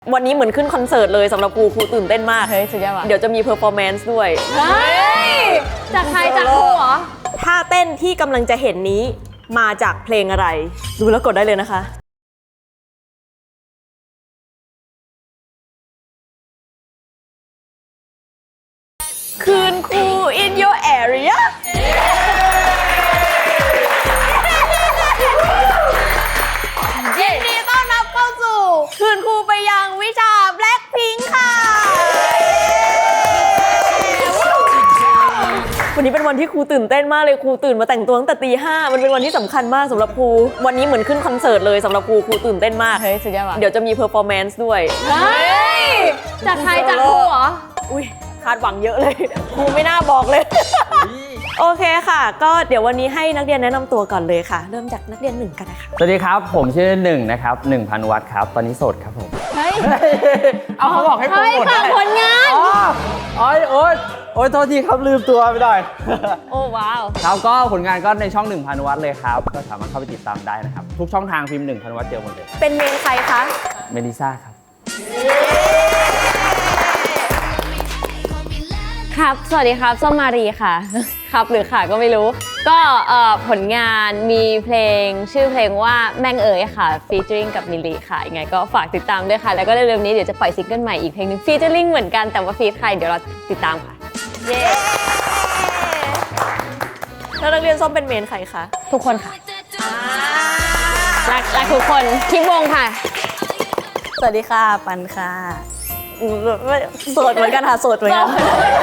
วันนี้เหมือนขึ้นคอนเสิร์ตเลยสำหรับครูตื่นเต้นมากเฮ้ยสุดยอดว่ะเดี๋ยวจะมีเพอร์ฟอร์แมนซ์ด้วยเฮ้ยจากใครจากครูเหรอท่าเต้นที่กำลังจะเห็นนี้มาจากเพลงอะไร ดูแล้วกดได้เลยนะคะ คืนครู in your area ยินดีต้อนรับเข้าสู่คืนครูไปยังวิชา Blackpink ค่ะ วันนี้เป็นวันที่ครูตื่นเต้นมากเลยครูตื่นมาแต่งตัวตั้งแต่ตีห้ามันเป็นวันที่สำคัญมากสำหรับครูวันนี้เหมือนขึ้นคอนเสิร์ตเลยสำหรับครูตื่นเต้นมากเฮ้ยสุดยอดว่ะเดี๋ยวจะมีเพอร์ฟอร์แมนซ์ด้วยเฮ้ยจากใครจากครูเหรออุ้ยคาดหวังเยอะเลยครูไม่น่าบอกเลย โอเคค่ะ ก็เดี๋ยววันนี้ให้นักเรียนแนะนำตัวก่อนเลยค่ะ เริ่มจากนักเรียนหนึ่งกันนะคะสวัสดีครับผมชื่อหนึ่งนะครับ1,000 วัตต์ครับตอนนี้โสดครับผมเฮ้ยเอาเขาบอกให้โปรเฮ้ยโมทฝากผลงานอ๋อโอ๊ยโทษทีครับลืมตัวไปหน่อยโอ้ว้าวครับก็ผลงานก็ในช่อง 1,000 วัตต์เลยครับก็สามารถเข้าไปติดตามได้นะครับทุกช่องทางพิมพ์ 1,000 วัตต์เจอหมดเลยเป็นเมนใครคะเมลิซ่าครับครับสวัสดีครับส้มมารีค่ะ ครับหรือค่ะก็ไม่รู้ ก็ผลงานมีเพลงชื่อเพลงว่าแม่งเอ๋ยค่ะฟีเจอริงกับมิลลิค่ะยังไงก็ฝากติดตามด้วยค่ะแล้วก็เร็วๆนี้เดี๋ยวจะปล่อยซิงเกิลใหม่อีกเพลงนึงฟีเจอริงเหมือนกันแต่ว่าฟีดใครเดี๋ยวเราติดตามค่ะเย้แล้วนักเรียนส้มเป็นเมนใครคะทุกคนค่ะรักทุกคนคลิปวงค่ะสวัสดีค่ะปันค่ะโสดเหมือนกันค่ะโสดเหมือนกัน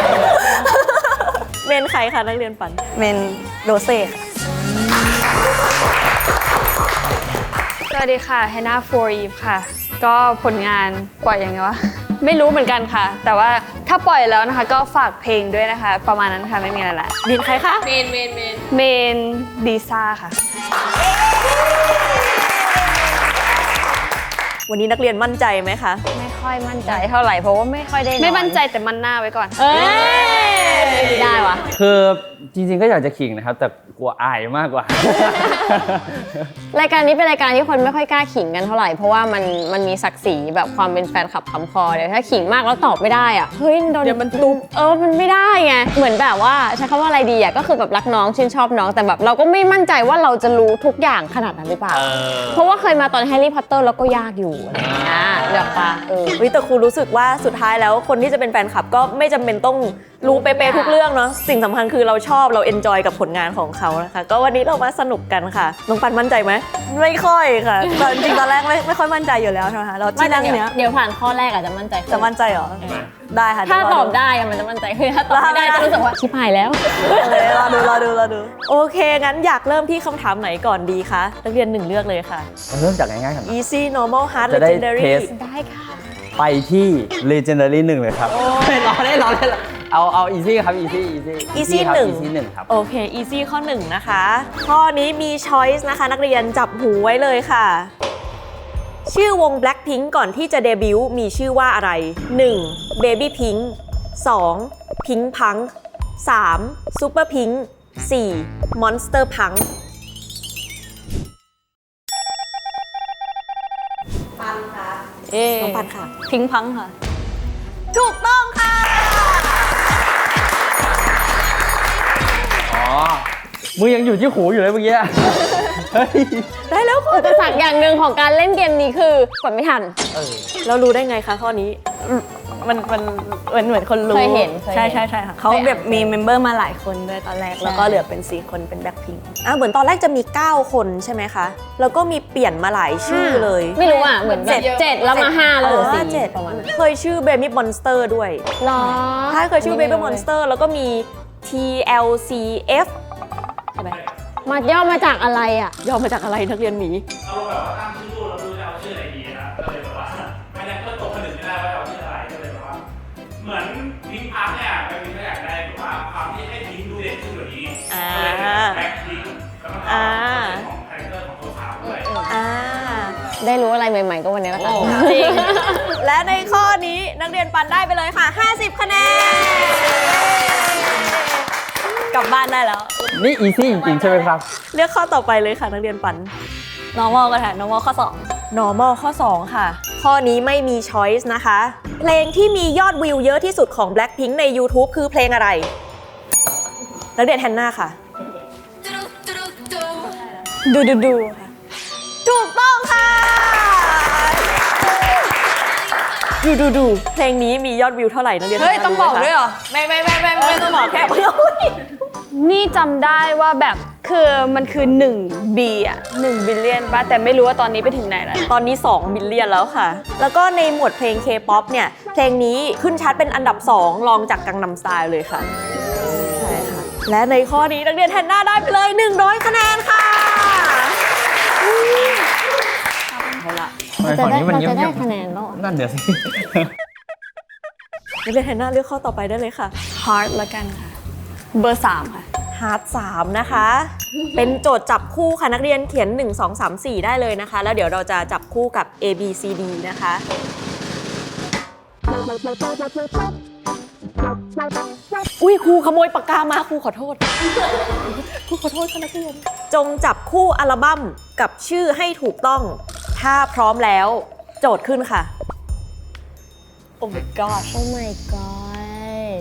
เมนใครคะนักเรียนปันเมนโรเซ่ค่ะสวัสดีค่ะ Hannah for Eve ค่ะ ก็ผลงานปล่อยยังไงวะ ไม่รู้เหมือนกันค่ะ แต่ว่าถ้าปล่อยแล้วนะคะ ก็ฝากเพลงด้วยนะคะ ประมาณนั้นค่ะ ไม่มีอะไรละเมนใครคะเมนดีซ่าค่ะวันนี้นักเรียนมั่นใจไหมคะไม่ค่อยมั่นใจเท่าไหร่เพราะว่าไม่ค่อยได้นอนไม่มั่นใจแต่มันหน้าไว้ก่อนเอ้ยได้วะคือจริงๆก็อยากจะขิงนะครับแต่กลัวอายมากกว่ารายการนี้เป็นรายการที่คนไม่ค่อยกล้าขิงกันเท่าไหร่เพราะว่ามันมีศักดิ์ศรีแบบความเป็นแฟนคลับคำคอเดี๋ยวถ้าขิงมากแล้วตอบไม่ได้อ่ะเฮ้ยเดี๋ยวมันตุ๊บมันไม่ได้ไงเหมือนแบบว่าใช้คำว่าอะไรดีอ่ะก็คือแบบรักน้องชื่นชอบน้องแต่แบบเราก็ไม่มั่นใจว่าเราจะรู้ทุกอย่างขนาดนั้นหรือเปล่าเพราะว่าเคยมาตอนแฮร์รี่พอตเตอร์แล้วก็ยากอยู่อะไรอย่างเงี้ยเดี๋ยวปะแต่ครูรู้สึกว่าสุดท้ายแล้วคนที่จะเป็นแฟนคลับก็ไม่จำเป็นต้องรู้เป๊ะๆทุกเรื่องเนาะสิ่งสำคัญคือเราชอบเราเอนจอยกับผลงานของเขานะคะก็วันนี้เรามาสนุกกันค่ะน้องปันมั่นใจไหมไม่ค่อยค่ะจริงๆตอนแรกไม่ค่อยมั่นใจอยู่แล้วใช่ไหมคะเราที่นั่งเนี้ยเดี๋ยวผ่านข้อแรกอาจจะมั่นใจขึ้นจะมั่นใจเหรอ ได้ค่ะถ้าเยวตรอบได้อะมันจะมั่นใจขึ้นถ้าตอบไม่ได้จะรู้สึกว่าชิบหายแล้วรอดูโอเคงั้นอยากเริ่มที่คำถามไหนก่อนดีคะนักเรียนหนึ่งเลือกเลยค่ะเริ่มจากง่ายๆก่อนนะ easy normal hard จะได้ legendary เทสได้ค่ะไปที่ Legendary 1เลยครับรอเล่นเอา easy ครับ easy หนึ่ง easy 1ครับโอเค easy ข้อหนึ่งนะคะ ข้อนี้มี choice นะคะ นักเรียนจับหูไว้เลยค่ะ ชื่อวง Blackpink ก่อนที่จะเดบิวต์มีชื่อว่าอะไร 1. Baby Pink 2. Pink Punk 3. Super Pink 4. Monster Punk น้องปันค่ะพิงพังค่ะถูกต้องค่ะอ๋อมือยังอยู่ที่หูอยู่เลยเมื่อกี้ เฮ้ยได้แล้วค่ะอุปสรรคอย่างหนึ่งของการเล่นเกมนี้คือกดไม่ทันเรารู้ได้ไงคะข้อนี้มันเหมือนคนรู้เคยเห็นใช่ค่ะเขาแบบมีเมมเบอร์มาหลายคนด้วยตอนแรก แล้วก็เหลือเป็น4คนเป็นแบ็คพิงเหมือนตอนแรกจะมี 9 คนใช่ไหมคะ แล้วก็มีเปลี่ยนมาหลายชื่อเลยไม่รู้อ่ะ เหมือนแบบเจ็ดแล้วมา5แล้วเหลือเจ็ด 4ประมาณนั้นเคยชื่อ Baby Monster ด้วยหรอถ้าเคยชื่อ Baby Monster แล้วก็มี TLCF ใช่ไหมมาย่อมาจากอะไรอ่ะย่อมาจากอะไรนักเรียนหมีเราแบบว่าตั้งชื่อลูกเราดูจะเอาชื่ออะไรดีนะครับก็เลยแบบว่าไม่ได้ก็ตกผลึกไม่ได้ว่าจะเอาชื่ออะไรก็เลยแบบว่าเหมือนพิงค์พักเนี่ยไปพิงค์ก็อยากได้แบบว่าความที่ให้พิงค์ดูเด็กขึ้นกว่านี้ก็เลยแบ็คพิงค์แล้วก็เอาของคาแรคเตอร์ของตัวสาวด้วยได้รู้อะไรใหม่ๆ ก็วันนี้แล้วกันจริง และในข้อนี้นักเรียนปันได้ไปเลยค่ะ 50 คะแนนกลับบ้านได้แล้วนี่ easy จริงๆใช่ไหมครับเลือกข้อต่อไปเลยค่ะนักเรียนปัน normal ก็ค่ะ normal ข้อ normal ข้อ 2 ค่ะข้อนี้ไม่มี choice นะคะ เพลงที่มียอดวิวเยอะที่สุดของ Blackpink ใน YouTube คือเพลงอะไร นักเรียนแฮนนาค่ะดูค่ะถูกต้องค่ะ ดูเพลงนี้มียอดวิวเท่าไหร่นักเรียนเฮ้ย ต้องบอกด้วยเหรอไม่ต้องบอกแค่นี่จำได้ว่าแบบคือมันคือ1 B อ่ะ1 บิลเลียนป่ะแต่ไม่รู้ว่าตอนนี้ไปถึงไหนแล้วตอนนี้2บิลเลียนแล้วค่ะ แล้วก็ในหมวดเพลง K-POP เนี่ย เพลงนี้ขึ้นชาร์ตเป็นอันดับ 2 รองจากกังนัมสไตล์เลยค่ะ ใช่ค่ะ และในข้อนี้นักเรียนแฮนนาได้ไปเลย100คะแนนค่ะเอาละทำไมฝั่งนี้มันเราเงียจะได้บคะแนนเปล่าๆนั่นเดี๋ยวสินักเรียนแฮนนาเลือกข้อต่อไปได้เลยค่ะ Hard ละกันค่ะ เบอร์ 3 ค่ะฮาร์ด3นะคะ เป็นโจทย์จับคู่ค่ะนักเรียนเขียน 1 2 3 4 ได้เลยนะคะ แล้วเดี๋ยวเราจะจับคู่กับ A B C D นะคะ อุ้ยครูขโมยปากกามาครูขอโทษ ครูขอโทษค่ะนักเรียน จงจับคู่อัลบั้มกับชื่อให้ถูกต้อง ถ้าพร้อมแล้ว โจทย์ขึ้นค่ะโอ้ my god โอ้ my god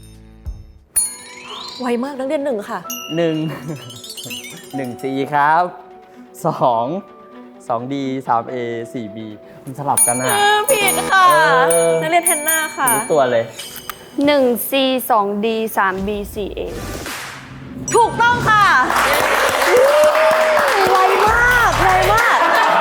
ไวมากนักเรียนหนึ่งค่ะ 1 G ครับ 2 D 3 A 4 B มันสลับกันอ่ะผิดค่ะเออนักเรียนแฮนนาค่ะรู้ตัวเลย 1 C 2 D 3 B 4 A ถูกต้องค่ะ ไวมากไวมาก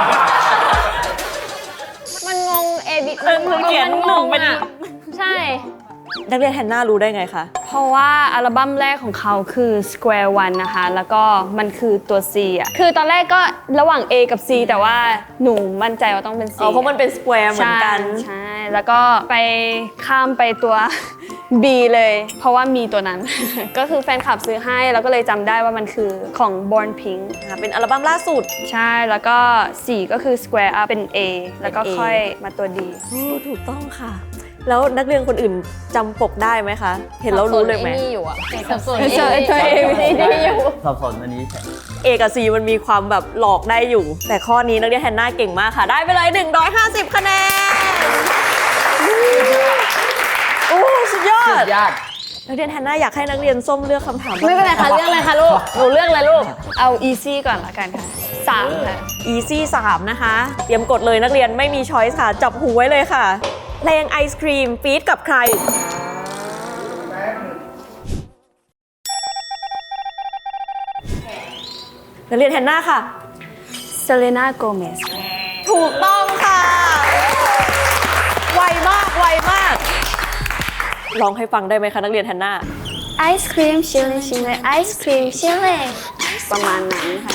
มันงง A B มันเขียนงงเป็นอ่ะ ใช่นักเรียนแฮนนารู้ได้ไงคะเพราะว่าอัลบั้มแรกของเขาคือ Square One นะคะ แล้วก็มันคือตัว C อ่ะ คือตอนแรกก็ระหว่าง A กับ C แต่ว่าหนูมั่นใจว่าต้องเป็น C อ๋อ เพราะมันเป็นสแควร์เหมือนกันใช่ แล้วก็ไปข้ามไปตัว B เลย เพราะว่ามีตัวนั้น ก็คือแฟนคลับซื้อให้ แล้วก็เลยจำได้ว่ามันคือของ Born Pink เป็นอัลบั้มล่าสุดใช่ แล้วก็ 4 ก็คือ Square Up เป็น A แล้วก็เป็น A ค่อยมาตัว D ถูกต้องค่ะ แล้วนักเรียนคนอื่นจำปกได้ไหมคะ เห็นแล้วรู้เลยไหมสับสนอ้นี่อยู่อ่ะสับสนเจอตัว A นี่อยู่สับสนอันนี้ A กับ C มันมีความแบบหลอกได้อยู่ แต่ข้อนี้นักเรียนแฮนนาเก่งมากค่ะ ได้ไปเลย 150 คะแนนโอ้สุดยอสุดดยอดนักเรียนแฮนนาอยากให้นักเรียนส้มเลือกคำถามไม่เป็นไรค่ะ เรื่องอะไรคะลูก หนูเลือกเลยลูกเอา Easy ก่อนละกันค่ะ 3 ค่ะ Easy 3 นะคะ เตรียมกดเลยนักเรียนไม่มีช้อยส์ค่ะ จับหูไว้เลยค่ะ เพลงไอศครีมฟีดกับใคร นักเรียนแฮนนาค่ะ Selena Gomez ค่ะถูกต้องค่ะ ไวมาก ไวมาก ลองให้ฟังได้ไหมคะนักเรียนแฮนนา Ice cream chile chile Ice cream chile ประมาณนั้นค่ะ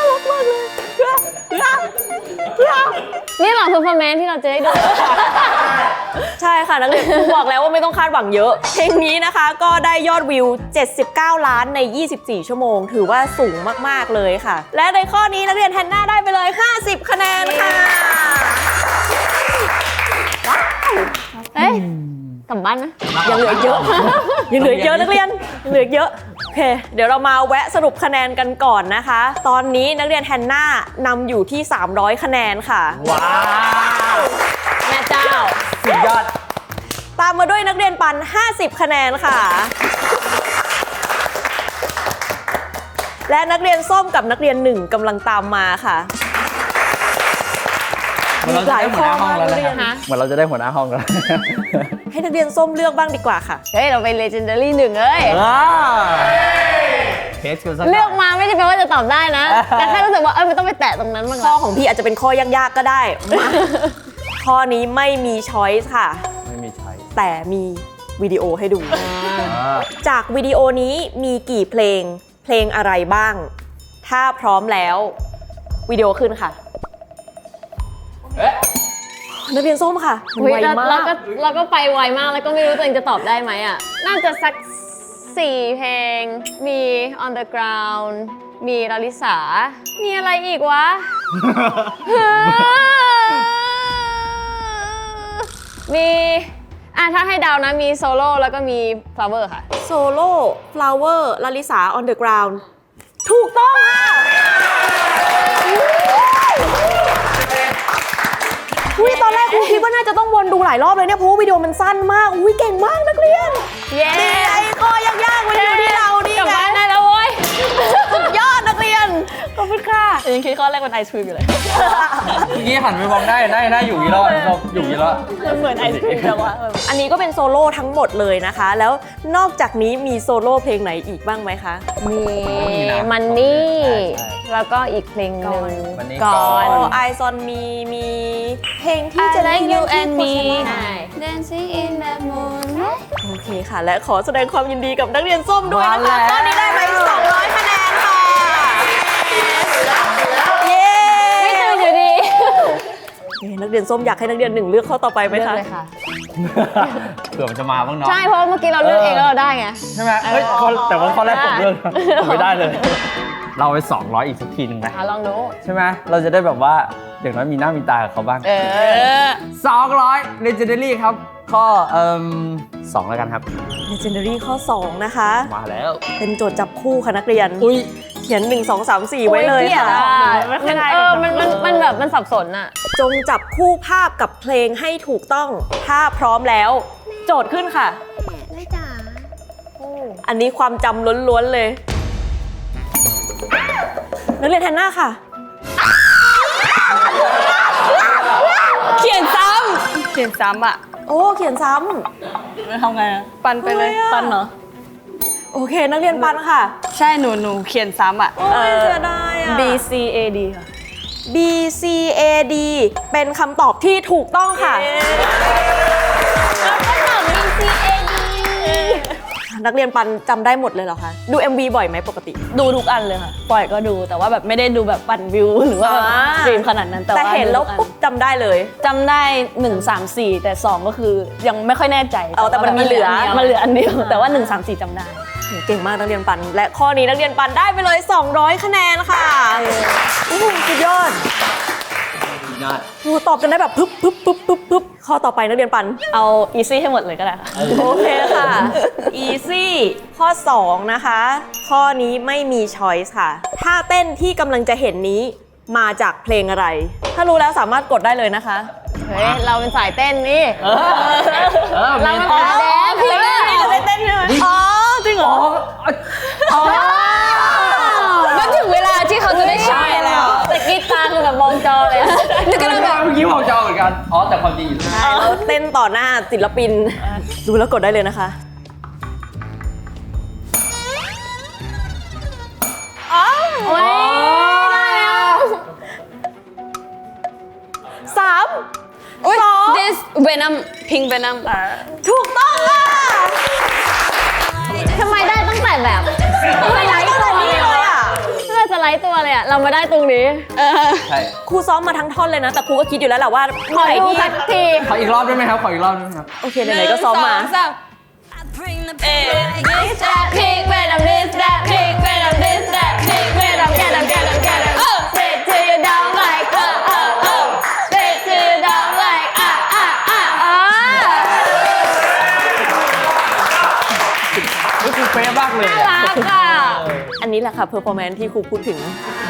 นี่เหรอ performance ที่เราจะได้ดูใช่ค่ะนักเรียนครูบอกแล้วว่าไม่ต้องคาดหวังเยอะ เพลงนี้นะคะก็ได้ยอดวิว 79 ล้านใน 24 ชั่วโมง ถือว่าสูงมากๆเลยค่ะ และในข้อนี้นักเรียนแฮนนาได้ไปเลย 50 คะแนนค่ะเอ้ยกลับบ้านนะยังเหลือเยอะ ยังเหลือเยอะนักเรียนยังเหลือเยอะ โอเค เดี๋ยวเรามาแวะสรุปคะแนนกันก่อนนะคะ ตอนนี้นักเรียนแฮนนานำอยู่ที่ 300 คะแนนค่ะว้าวแม่เจ้าสุดยอดตามมาด้วยนักเรียนปัน 50 คะแนนค่ะ และนักเรียนส้มกับนักเรียนหนึ่งกำลังตามมาค่ะเหมือนเราจะได้หัวหน้าห้องแล้วนะหลายข้อมากเลยครับเหมือนเราจะได้หัวหน้าห้องแล้วให้นักเรียนส้มเลือกบ้างดีกว่าค่ะเฮ้ย เราไป legendary 1เอ้ยเทสกันสักเลือกมาไม่ได้แปลว่าจะตอบได้นะ แต่แค่รู้สึกว่ามันต้องไปแตะตรงนั้นบ้างข้ออะของพี่อาจจะเป็นข้อยากๆก็ได้มาข้อนี้ไม่มีช้อยส์ค่ะไม่มีใช้แต่มีวิดีโอให้ดู จากวิดีโอนี้มีกี่เพลง เพลงอะไรบ้าง ถ้าพร้อมแล้ว วิดีโอขึ้นค่ะ นักเรียนส้มค่ะมันเฮ้ยไวแล้วมาเรากก็ไปไวมากแล้วก็ไม่รู้ตัวเองจะตอบได้ไหมอ่ะ น่าจะสัก 4 เพลง มี on the ground มีลาลิสา มีอะไรอีกวะ มีถ้าให้เดานะมีโซโล่แล้วก็มี flower ค่ะโซโล่ flower ลาลิสา on the ground ถูกต้องค่ะอุ้ยตอนแรกครูคิดว่าน่าจะต้องวนดูหลายรอบเลยเนี่ยเพราะว่าวิดีโอมันสั้นมากอุ้ยเก่งมากนักเรียนเย้นี่ไอ้ข้อยากๆมันอยู่ที่เรานี่กลับไงบ้านได้แล้วเว้ยสุดยอดนักเรียนขอบคุณค่ะยังคิดข้อแรกเป็นไอศครีมอยู่เลยเมื่อกี้หันไปมองได้อยู่กี่รอบอยู่กี่รอบเหมือนไอศครีมแต่ว่าอันนี้ก็เป็นโซโล่ทั้งหมดเลยนะคะ แล้วนอกจากนี้มีโซโล่เพลงไหนอีกบ้างไหมคะมีมันนี่แล้วก็อีกเพลงหนึ่งก่อนไอซอนมีเพลงที่จะได้เล่นที่โคชนา Dancing in the moon โอเคค่ะ และขอแสดงความยินดีกับนักเรียนส้มด้วยนะคะมาแล้วตอนนี้ได้ไป200 คะแนนค่ะ เย้ไม่ตื่นอยู่ดีนักเรียนส้มอยากให้นักเรียนหนึ่งเลือกข้อต่อไปไหมเลือกคะเลยค่ะเผื่อมันจะมาบ้างเนาะใช่เพราะเมื่อกี้เราเลือกเองแล้วเราได้ไงใช่ไหมเฮ้ยแต่ว่าข้อแรกผมเลือกผมไม่ได้เลย เราไป200อีกสักทีหนึงไหมลองดูใช่ไหมเราจะได้แบบว่าอย่างน้อยมีหน้ามีตากับเขาบ้าง 200 Legendary ครับข้อ2แล้วกันครับ Legendary ข้อ 2 นะคะมาแล้วเป็นโจทย์จับคู่ค่ะนักเรียนอุ้ยเขียน 1 2 3 4 ไว้เลยค่ะมันแบบมันสับสนอะจงจับคู่ภาพกับเพลงให้ถูกต้อง ถ้าพร้อมแล้ว โจทย์ขึ้นค่ะไม่จ๋าอันนี้ความจำล้วนๆเลย นักเรียนแทนหน้าค่ะเขียนซ้ำอ่ะโอ้ เขียนซ้ทำไงปันไปเลย ปันเหรอำโอเค นักเรียนปันค่ะใช่หนูเขียนซ้ำอ่ะโอ้ยเสียดายอ่ะ B C A D ค่ะ B C A D เป็นคำตอบที่ถูกต้องค่ะ นักเรียนปันจำได้หมดเลยเหรอคะ ดู MV บ่อยไหมปกติดูทุกอันเลยค่ะ ปล่อยก็ดูแต่ว่าแบบไม่ได้ดูแบบปั่นวิวหรือว่าแบบอ่าสตรีมขนาดนั้น แต่แต่ว่าเห็นแล้วดูทุกอัปุ๊บจำได้เลยจำได้ 1 3 4 แต่ 2 ก็คือยังไม่ค่อยแน่ใจแต่มันมีเหลือมันเหลืออันเดียวแต่ว่า 1 3 4จำได้เก่งมากนักเรียนปัน และข้อนี้นักเรียนปันได้ไปเลย 200 คะแนนค่ะสุดยอดโอ้ตอบกันได้แบบปึ๊บข้อต่อไปนักเรียนปันเอา easy ให้หมดเลยก็ได้ค่ะโอเคค่ะ easy ข้อ 2 นะคะ ข้อนี้ไม่มี choice ค่ะท่าเต้นที่กำลังจะเห็นนี้มาจากเพลงอะไร ถ้ารู้แล้วสามารถกดได้เลยนะคะเฮ้ย เราเป็นสายเต้นนี่ เราเป็นอ๋อสายแดนซ์จะได้เต้นใช่ไหมอ๋อ จริงเหรอมันถึงเวลาที่เขาจะได้ใช้แล้วแต่กีตาร์คือแบบมองจอเลยอะนี่ก็เลยเมื่อกี้มองจอเหมือนกันอ๋อแต่ความจริงอยู่เราเต้นต่อหน้าศิลปิน ดูแล้วกดได้เลยนะคะโอ้ยสามอุ๊ยสอง this Venom Pink Venom ถูกต้องค่ะทำไมได้ตั้งแต่แบบไม่ได้ตั้งแต่นี้เลยอ่ะถ้าเราจะไลฟ์ตัวเลยอะเรามาได้ตรงนี้ใช่ครูซ้อมมาทั้งท่อนเลยนะ แต่ครูก็คิดอยู่แล้วแหละว่าขอเมื่อไหร่ดูที่สักทีขออีกรอบได้ไหมครับขออีกรอบได้ไหมครับโอเคไหนๆก็ซ้อมมา This that pink venom, this that pink venom, this that pink venom, get 'em, get 'em, get 'em. Straight to your down like straight to your down like นี่คือเป๊ะมากเลยน่ารักอ่ะอันนี้แหละค่ะเพอร์ฟอร์แมนซ์ที่ครูพูดถึง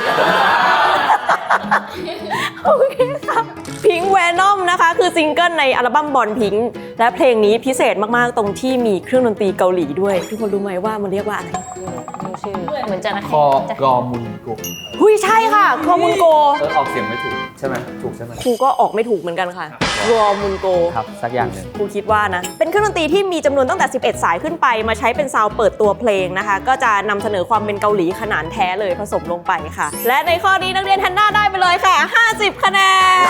โอเคค่ะพิงแวนอมนะคะ คือซิงเกิลในอัลบั้มบอลพิงและเพลงนี้พิเศษมาก ๆ ตรงที่มีเครื่องดนตรีเกาหลีด้วย ทุกคนรู้ไหมว่ามันเรียกว่าอะไรชื่อเหมือนจะนะคอกอมุนโกหุยใช่ค่ะคอมุนโกออกเสียงไม่ถูกใช่ไหมถูกใช่ไหมครูก็ออกไม่ถูกเหมือนกันค่ะรอมุนโกครับสักอย่างหนึ่งครูคิดว่านะ เป็นเครื่องดนตรีที่มีจำนวนตั้งแต่ 11 สายขึ้นไป มาใช้เป็นซาวด์เปิดตัวเพลงนะคะ ก็จะนำเสนอความเป็นเกาหลีขนาดแท้เลยผสมลงไปค่ะ และในข้อนี้นักเรียนแฮนน่าได้ไปเลยค่ะ 50 คะแนน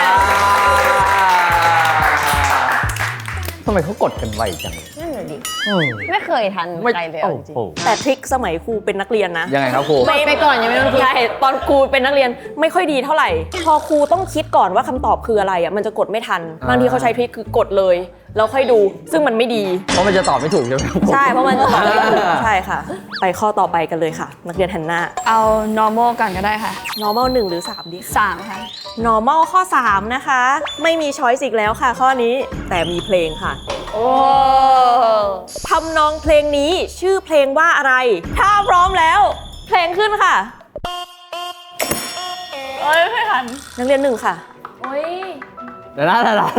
ทำไมเขากดกันไวจังนั่นแหละดิ ไม่เคยทันใครเลยเอาจริงโอ้โหแต่ทริคสมัยครูเป็นนักเรียนนะยังไงครับครูไปก่อนยังไม่ต้องคิดใช่ตอนครูเป็นนักเรียนไม่ค่อยดีเท่าไหร่ พอครูต้องคิดก่อนว่าคำตอบคืออะไรอ่ะมันจะกดไม่ทัน บางทีเขาใช้ทริคคือกดเลยแล้วค่อยดู ซึ่งมันไม่ดีเพราะมันจะตอบไม่ถูกใช่ไหมครับครูใช่เพราะมันจะตอบไม่ถูกใช่ค่ะ ไปข้อต่อไปกันเลยค่ะ นักเรียนแฮนน่าเอา normal ก่อนก็ได้ค่ะ normal 1 หรือ 3 ดีคะ 3 ค่ะ normal ข้อ 3 นะคะ ไม่มี choice อีกแล้วค่ะ ข้อนี้แต่มีเพลงค่ะโอ้ทำนองเพลงนี้ชื่อเพลงว่าอะไร ถ้าพร้อมแล้ว เพลงขึ้นค่ะเอ้ยไม่ทันนักเรียน 1 ค่ะโอ้ยเดี๋ยวนะ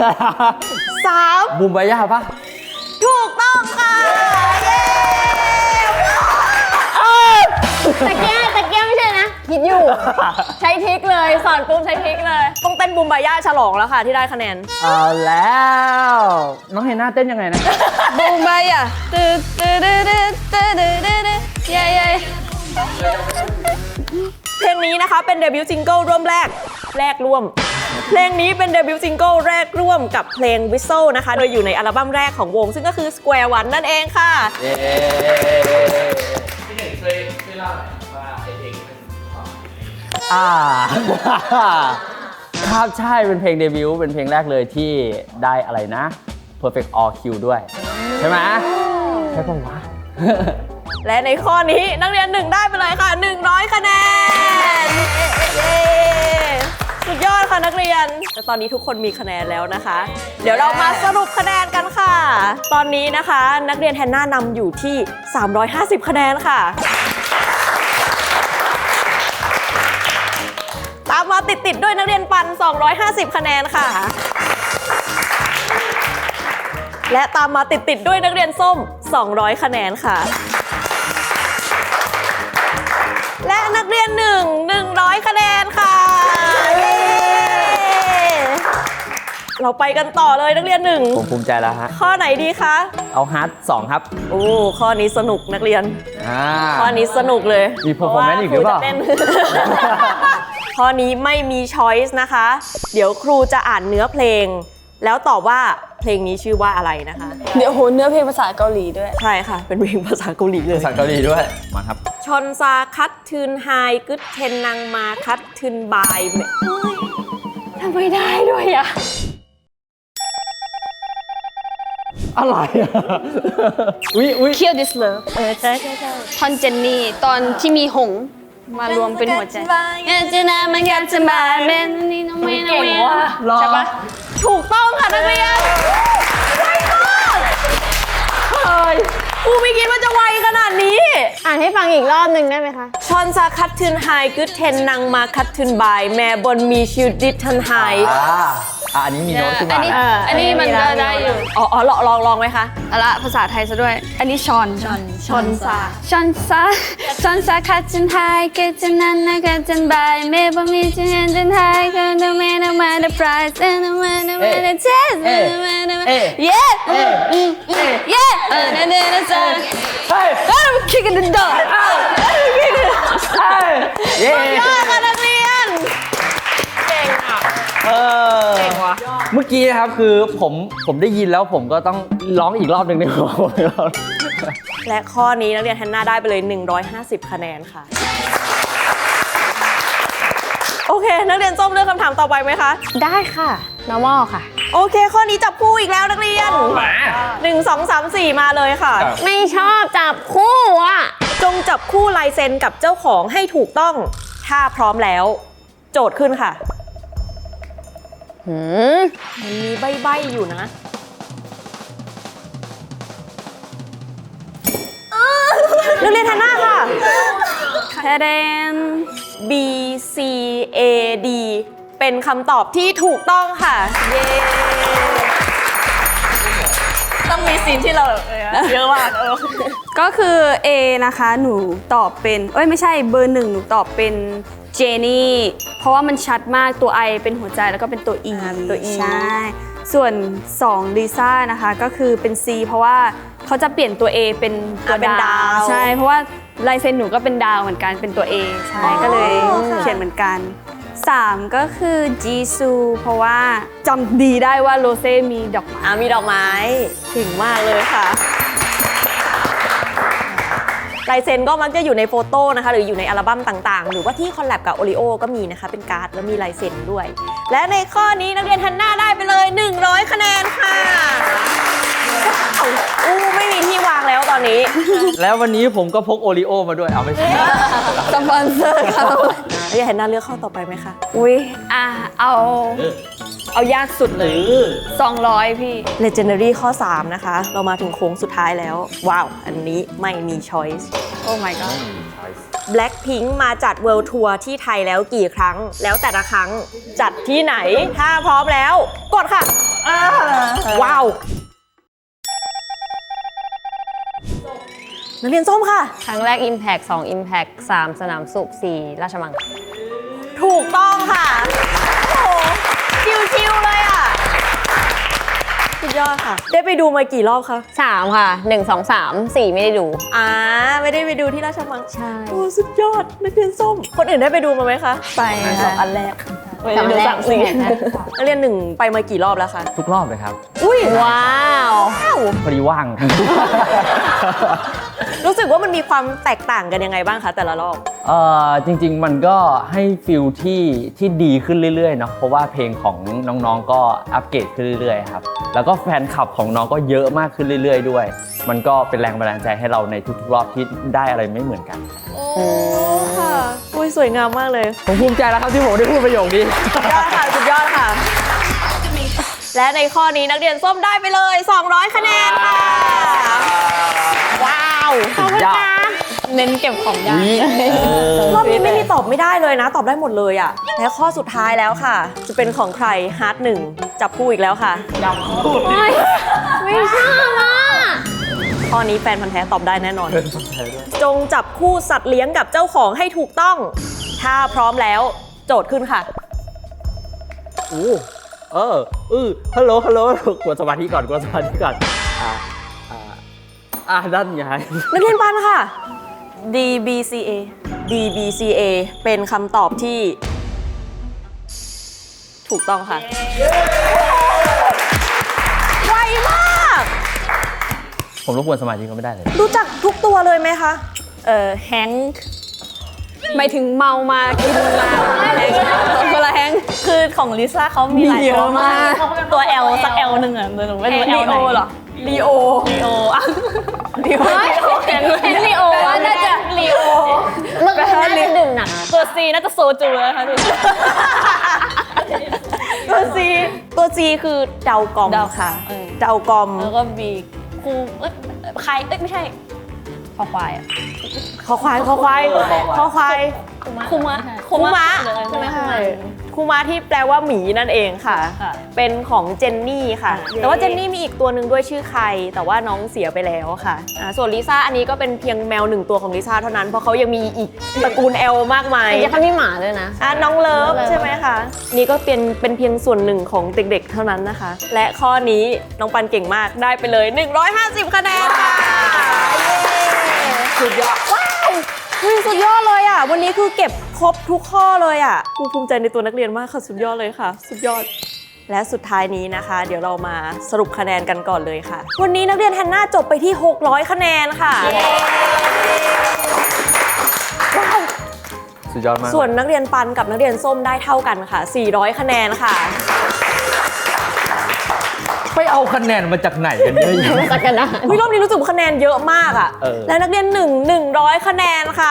3 บุมบายาปะถูกต้องค่ะ เย้ตะเกียบไม่ใช่นะคิดอยู่ ใช้ทริกเลยสอนปุ๊บใช้ทริกเลยต้องเต้นบุมบาย่าฉลองแล้วค่ะที่ได้คะแนนเอาแล้ว น้องเฮน่าเต้นยังไงนะบูมบายอ่ะตึ๊ดตึ๊ดตึ๊ดตึ๊ดตึ๊ดตึ๊ดเย้เย้เพลงนี้นะคะเป็นเดบิวต์ซิงเกิลร่วมแรกร่วม เพลงนี้เป็นเดบิวต์ซิงเกิลแรกร่วมกับเพลง Whistle นะคะ โดยอยู่ในอัลบั้มแรกของวง ซึ่งก็คือ Square One นั่นเองค่ะเย้พี่หนึ่งช่วยเล่าหน่อยว่าไอเพลงนี้เป็นความครับใช่เป็นเพลงเดบิวต์เป็นเพลงแรกเลยที่ได้อะไรนะ Perfect All Q ด้วย ใช่ไหมใช่ปะวะและในข้อนี้นักเรียนหนึ่งได้ไปเลยค่ะ 100 คะแนน เย้สุดยอดค่ะนักเรียนแต่ตอนนี้ทุกคนมีคะแนนแล้วนะคะ เดี๋ยวเรามาสรุปคะแนนกันค่ะ ตอนนี้นะคะนักเรียนแฮนน่านำอยู่ที่ 350 คะแนนค่ะ ตามมาติดๆด้วยนักเรียนปัน 250 คะแนนค่ะ และตามมาติดๆด้วยนักเรียนส้ม 200 คะแนนค่ะ และนักเรียน100 คะแนนค่ะเย้เราไปกันต่อเลยนักเรียนผมภูมิใจแล้วฮะ 1 ข้อไหนดีคะเอาฮาร์ด2ครับโอ้ข้อนี้สนุกนักเรียนอ่าข้อนี้สนุกเลยมี performance อีกหรือเปล่าพะว่คจะต้น ข้อนี้ไม่มี choice นะคะ เดี๋ยวครูจะอ่านเนื้อเพลง แล้วตอบว่าเพลงนี้ชื่อว่าอะไรนะคะเดี๋ยวโหเนื้อเพลงภาษาเกาหลีด้วยใช่ค่ะ เป็นเพลงภาษาเกาหลีเลยภาษาเกาหลีด้วย มาครับชอนซาคัตทืนไฮกึดเทนนางมาคัตทืนบายเมทำไม่ได้ด้วยอะอะไรอ่ะ อุ๊ย Kill this love ใช่ท่อนเจนนี่ตอนที่มีหงส์มารวมเป็นหัวใจเอเจนามันกันจะมาเป็นนี่น้องเมย์น้องเมย์ใช่ปะถูกต้องค่ะนักเรียนไวมากเฮ้ยกูไม่คิดว่าจะไวขนาดนี้อ่านให้ฟังอีกรอบหนึ่งได้ไหมคะชอนซาคัตทืนไฮกึดเทนนางมาคัตทืนบายแม่บนมีชิวดิทันไฮอันนี้มีโน้ตขึ้นมาอันนี้มันก็ได้อยู่อ๋อลองไหมคะเอาละภาษาไทยซะด้วย อันนี้ชอนชอนซาชอนซาคัดจันไทยเกจันนันนะกัจันบายเมย์บะมีจันยันจันไทยก็ดูเมย์นะมาเดอะไพรส์นะมาเดอะมาเดอะเจสนะมาเดอะมาเย้เย้นะเนี่ยนะจ๊ะเฮ้ย I'm kicking the door เย้ยอดค่ะนักเรียน เก่งอ่ะ เก่งว่ะเมื่อกี้นะครับคือผมได้ยินแล้วผมก็ต้องร้องอีกรอบหนึ่งในหัวผมอีกรอบและข้อนี้นักเรียนแฮนนาได้ไปเลย 150 คะแนนค่ะ โอเค นักเรียนส้มเลือกคำถามต่อไปไหมคะได้ค่ะ normal ค่ะโอเค ข้อนี้จับคู่อีกแล้วนักเรียน 1 2 3 4 มาเลยค่ะไม่ชอบจับคู่อ่ะจงจับคู่ลายเซ็นกับเจ้าของให้ถูกต้อง ถ้าพร้อมแล้ว โจทย์ขึ้นค่ะ มันมีใบๆอยู่นะนักเรียนทันหน้าค่ะแทเดน B C A D เป็นคำตอบที่ถูกต้องค่ะ เย้ ต้องมีซีนที่เราเยอะมากก็คือ A นะคะหนูตอบเป็นไม่ใช่เบอร์ 1หนูตอบเป็นเจนี่เพราะว่ามันชัดมากตัว I เป็นหัวใจแล้วก็เป็นตัว E ตัว E ใช่ส่วน2ลิซ่านะคะก็คือเป็น C เพราะว่าเขาจะเปลี่ยนตัว A เป็นตัวเป็นดาวใช่เพราะว่าลายเซ็นหนูก็เป็นดาวเหมือนกันเป็นตัว A ใช่ก็เลยเขียนเหมือนกัน 3 ก็คือจีซูเพราะว่าจำดีได้ว่าโรเซ่มีดอกไม้มีดอกไม้ถึงมากเลยค่ะลายเซ็นก็มักจะอยู่ในโฟโต้นะคะหรืออยู่ในอัลบั้มต่างๆ หรือว่าที่คอลแลบกับโอริโอก็มีนะคะเป็นการ์ดแล้วมีลายเซ็นด้วย และในข้อนี้นักเรียนฮันน่าได้ไปเลย 100 คะแนนค่ะไม่มีที่วางแล้วตอนนี้แล้ววันนี้ผมก็พกโอริโอมาด้วย เอาไม่ใช่สปอนเซอร์เขานักเรียนฮันน่าเลือกข้อต่อไปไหมคะอุ้ยเอายากสุดเลย 200 พี่ Legendary ข้อ 3 นะคะ เรามาถึงโค้งสุดท้ายแล้ว ว้าว อันนี้ไม่มี choice Oh my god Blackpink มาจัด World Tour ที่ไทยแล้วกี่ครั้ง แล้วแต่ละครั้งจัดที่ไหน ถ้าพร้อมแล้ว กดค่ะ ว้าว นักเรียนส้มค่ะครั้งแรก Impact 2 Impact 3 สนามสุข 4 ราชมังถูกต้องค่ะ โอ้โห ชิวๆเลยอ่ะ สุดยอดค่ะ ได้ไปดูมากี่รอบคะ 3 ค่ะ 1 2 3 4 ไม่ได้ดูไม่ได้ไปดูที่ราชมังใช่โอ้สุดยอด นักเรียนส้ม คนอื่นได้ไปดูมาไหมคะไปค่ะอันแรกแต่แรก Impact นะนักเรียนหนึ่งไปมากี่รอบแล้วคะทุกรอบเลยครับอุ้ยว้าวพอดีว่างรู้สึกว่ามันมีความแตกต่างกันยังไงบ้างคะแต่ละรอบจริงๆมันก็ให้ฟิลที่ดีขึ้นเรื่อยๆเนาะเพราะว่าเพลงของน้องๆก็อัปเกรดขึ้นเรื่อยๆครับแล้วก็แฟนคลับของน้องก็เยอะมากขึ้นเรื่อยๆด้วย มันก็เป็นแรงบันดาลใจให้เราในทุกๆรอบที่ได้อะไรไม่เหมือนกันโอ้ค่ะ อุ้ยสวยงามมากเลยผมภูมิใจแล้วครับที่ผมได้พูดประโยคนี้สุดยอดค่ะ สุดยอดค่ะ และในข้อนี้นักเรียนส้มได้ไปเลย 200 คะแนนค่ะ ว้าวสุดยอดเน้นเก็บของยากรอบนี้ไม่มีตอบไม่ได้เลยนะ ตอบได้หมดเลยอะและข้อสุดท้ายแล้วค่ะ จะเป็นของใครฮาร์ดหนึ่งจับคู่อีกแล้วค่ะไม่ชอบอ่ะข้อนี้แฟนพันธ์แท้ตอบได้แน่นอน จงจับคู่สัตว์เลี้ยงกับเจ้าของให้ถูกต้อง ถ้าพร้อมแล้วโจทย์ขึ้นค่ะฮัลโหลกดสมาธิก่อนด้านย้ายนักเรียนปันค่ะ DBCA DBCA เป็นคำตอบที่ ถูกต้องค่ะ ไวมากผมรบกวนสมาธิก็ไม่ได้เลยรู้จักทุกตัวเลยไหมคะแฮงค์หมายถึงเมามากินมาแฮงค์คนละแฮงค์คือของลิซ่าเขามีหลายตัวมากตัว L สัก L หนึ่งอ่ะหนูไม่รู้ L ไหนหรอลีโอลีโออ่ะลีโอเห็นลีโอว่าน่าจะลีโอเมื่อกี้น่าจะดื่มหนักตัว C น่าจะโซจูแล้วค่ะพี่ตัว C คือเดากอมเดาค่ะเออเดากอมแล้วก็บีครูใครไม่ใช่คอควายอ่ะคอควายคุมะคุมะใช่คูมาที่แปลว่าหมีนั่นเองค่ะค่ะเป็นของเจนนี่ค่ะ แต่ว่าเจนนี่มีอีกตัวหนึ่งด้วยชื่อใคร แต่ว่าน้องเสียไปแล้วค่ะส่วนลิซ่าอันนี้ก็เป็นเพียงแมวหนึ่งตัวของลิซ่าเท่านั้น เพราะเขายังมีอีกตระกูลแอลมากมายยังเขามีหมาด้วยนะน้องเลิฟใช่ไหมคะ นี่ก็เป็นเพียงส่วนหนึ่งของเด็กๆ เท่านั้นนะคะ และข้อนี้น้องปันเก่งมากได้ไปเลย 150 คะแนนค่ะสุดยอดว้าวสุดยอดเลยอ่ะ วันนี้คือเก็บครบทุกข้อเลยอ่ะครูภูมิใจในตัวนักเรียนมากค่ะ สุดยอดเลยค่ะ สุดยอด และสุดท้ายนี้นะคะ เดี๋ยวเรามาสรุปคะแนนกันก่อนเลยค่ะ วันนี้นักเรียนแฮนนาจบไปที่ 600 คะแนนค่ะว้าวสุดยอดมากส่วนนักเรียนปันกับนักเรียนส้มได้เท่ากันค่ะ 400 คะแนนค่ะไปเอาคะแนนมาจากไหนกันเยอะแยะสักกันนะวิรอบนี้รู้สึกว่าคะแนนเยอะมากอ่ะ และนักเรียน100 คะแนนค่ะ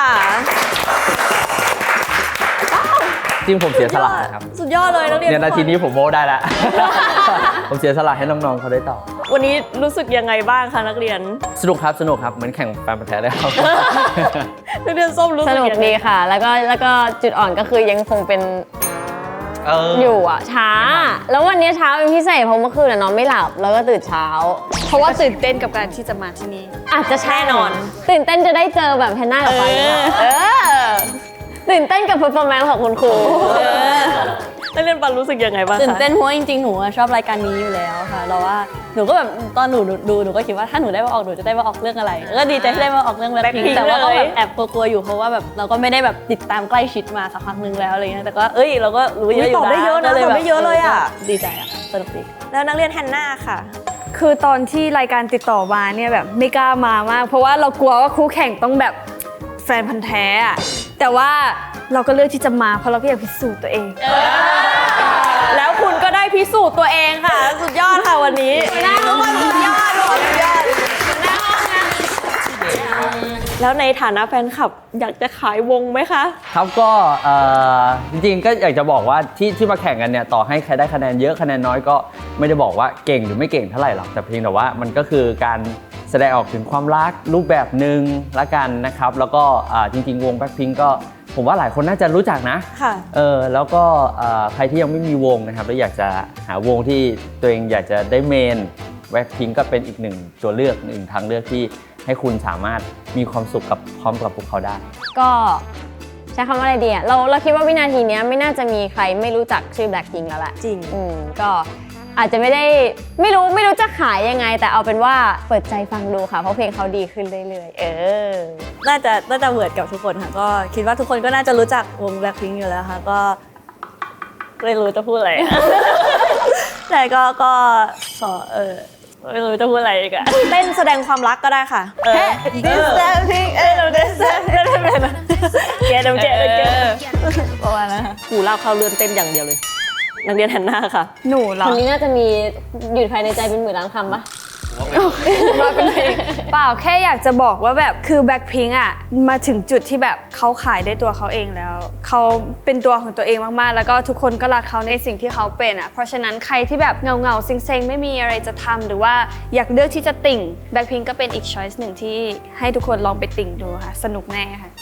จริงผมเสียสละนะครับสุดยอดเลยนักเรียนเนี่ยนาทีทุกคนี้ผมโม้ได้แล้ว ผมเสียสละให้น้องๆเขาได้ตอบวันนี้รู้สึกยังไงบ้างคะนักเรียนสนุกครับเหมือนแข่งแฟนพันธุ์แท้เลยครับนักเรียนส้มรู้สสึกนุกยังไงดีค่ะ แล้วก็จุดอ่อนก็คือยังคงเป็นอยู่อ่ะช้า แล้ววันนี้เช้าเป็นพิเศษเพราะเมื่อคืนนอนไม่หลับแล้วก็ตื่นเช้าเพราะว่าตื่นเต้นกับการที่จะมาที่นี่อาจจะแน่นอน ตื่นเต้นจะได้เจอแบบแพนน่ากับไปตื่นเต้นกับเพอร์ฟอร์แมนซ์ของคุณครูนักเรียนปันรู้สึกยังไงบ้างคะตื่นเต้นเพราะว่าจริงๆ หนูชอบรายการนี้อยู่แล้วค่ะเราว่าหนูก็แบบตอนหนูดูหนูก็คิดว่าถ้าหนูได้มาออกหนูจะได้มาออกเรื่องอะไรแล้วก็ดีใจที่ได้มาออกเรื่องแบล็คพิงค์แต่ว่าก็แบบแอบกลัวๆอยู่เพราะว่าแบบเราก็ไม่ได้แบบติดตามใกล้ชิดมาสักพักนึงแล้วอะไรเงี้ยแต่ก็เราก็รู้เยอะอยู่ตอบได้เยอะนะก็ตอบได้เยอะเลยอ่ะดีใจอะสนุกดีแล้วนักเรียนแฮนนาค่ะคือตอนที่รายการติดต่อมาเนี่ยแบบไม่กล้ามามาก เพราะว่าเรากลัวว่าคู่แข่งต้องแบบแฟนพันธ์แท้อะแต่ว่าเราก็เลือกที่จะมาเพราะเราก็อยากพิสูจน์ตัวเองแล้วคุณก็ได้พิสูจน์ตัวเองค่ะ สุดยอดค่ะวันนี้ทุกคนสุดยอดสุดยอดแล้วในฐานะแฟนคลับอยากจะขายวงไหมคะครับก็จริงๆก็อยากจะบอกว่าที่มาแข่งกันเนี่ยต่อให้ใครได้คะแนนเยอะคะแนนน้อยก็ไม่ได้บอกว่าเก่งหรือไม่เก่งเท่าไหร่หรอกแต่เพียงแต่ว่ามันก็คือการแสดงออกถึงความรักรูปแบบหนึ่งละกันนะครับแล้วก็จริงๆวง Blackpink ก็ผมว่าหลายคนน่าจะรู้จักนะค่ะแล้วก็ใครที่ยังไม่มีวงนะครับแล้วอยากจะหาวงที่ตัวเองอยากจะได้เมน Blackpink ก็เป็นอีกหนึ่งตัวเลือกหนึ่งทางเลือกที่ให้คุณสามารถมีความสุขกับพร้อมกับพวกเขาได้ก็ใช้คำว่าอะไรดีอะเราคิดว่าวินาทีเนี้ยไม่น่าจะมีใครไม่รู้จักชื่อ Blackpink แล้วแหละจริงก็อาจจะไม่รู้จะขายยังไง แต่เอาเป็นว่าเปิดใจฟังดูค่ะเพราะเพลงเขาดีขึ้นเรื่อยๆน่าจะเหมือนกับทุกคนค่ะก็คิดว่าทุกคนก็น่าจะรู้จักวง Blackpink อยู่แล้วค่ะก็ไม่รู้จะพูดอะไร แต่ก็ขอไม่รู้จะพูดอะไรอีกอะเต้นแสดงความรักก็ได้ค่ะ This Blackpink this เกดเจประมาณนั้นค่ะหูเล่าเข้าเรือนเต้นอย่างเดียวเลยนักเรียนแฮนนาค่ะหนูเหรคอนนี้น่าจะมีอยู่ภายในใจเป็นหมื่นล้านคำปะมาเป็นเพลงเปล่าแค่อยากจะบอกว่าแบบคือ Blackpink อ่ะมาถึงจุดที่แบบเขาขายได้ตัวเขาเองแล้วเขาเป็นตัวของตัวเองมากๆแล้วก็ทุกคนก็รักเขาในสิ่งที่เขาเป็นอ่ะเพราะฉะนั้นใครที่แบบเงาๆเซ็งๆไม่มีอะไรจะทำหรือว่าอยากเลือกที่จะติ่ง Blackpink ก็เป็นอีก choice หนึ่งที่ให้ทุกคนลองไปติ่งดูค่ะสนุกแน่ค่ะ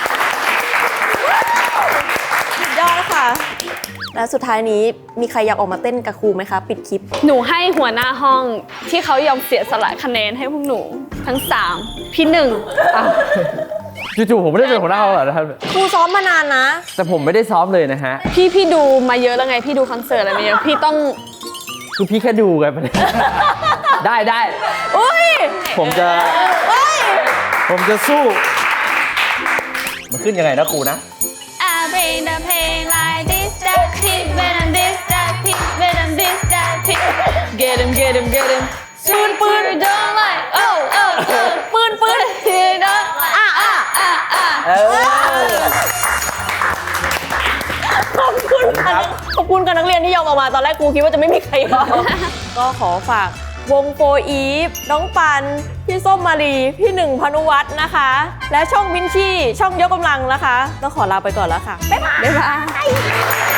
ยอดค่ะ และสุดท้ายนี้มีใครอยากออกมาเต้นกับครูไหมคะ ปิดคลิปหนูให้หัวหน้าห้องที่เขายอมเสียสละคะแนนให้พวกหนูทั้ง3พี่1 จู่ๆผมไม่ได้เป็นหัวหน้าเขาเหรอท่านครูซ้อมมานานนะแต่ผมไม่ได้ซ้อมเลยนะฮะพี่ดูมาเยอะแล้วไงพี่ดูคอนเสิร์ตอะไรมาเยอะพี่ต้องคือพี่แค่ดูไงประเด็น ได้อุ้ยผมจะสู้ มันขึ้นยังไงนะครูนะ I bring the pain like this that pit when I'm this that pit when I'm this that pit get him get him get him ปืน don't like oh ปืน you don't like ขอบคุณค่ะขอบคุณกับนักเรียนที่ยอมออกมาตอนแรกครูคิดว่าจะไม่มีใครยอม ก็ขอฝากวงโฟอีฟน้องปัน พี่ส้มมารีพี่หนึ่งพานุวัฒน์นะคะ และช่องวินชี่ช่องยกกำลังนะคะต้องขอลาไปก่อนแล้วค่ะ บ๊ายบาย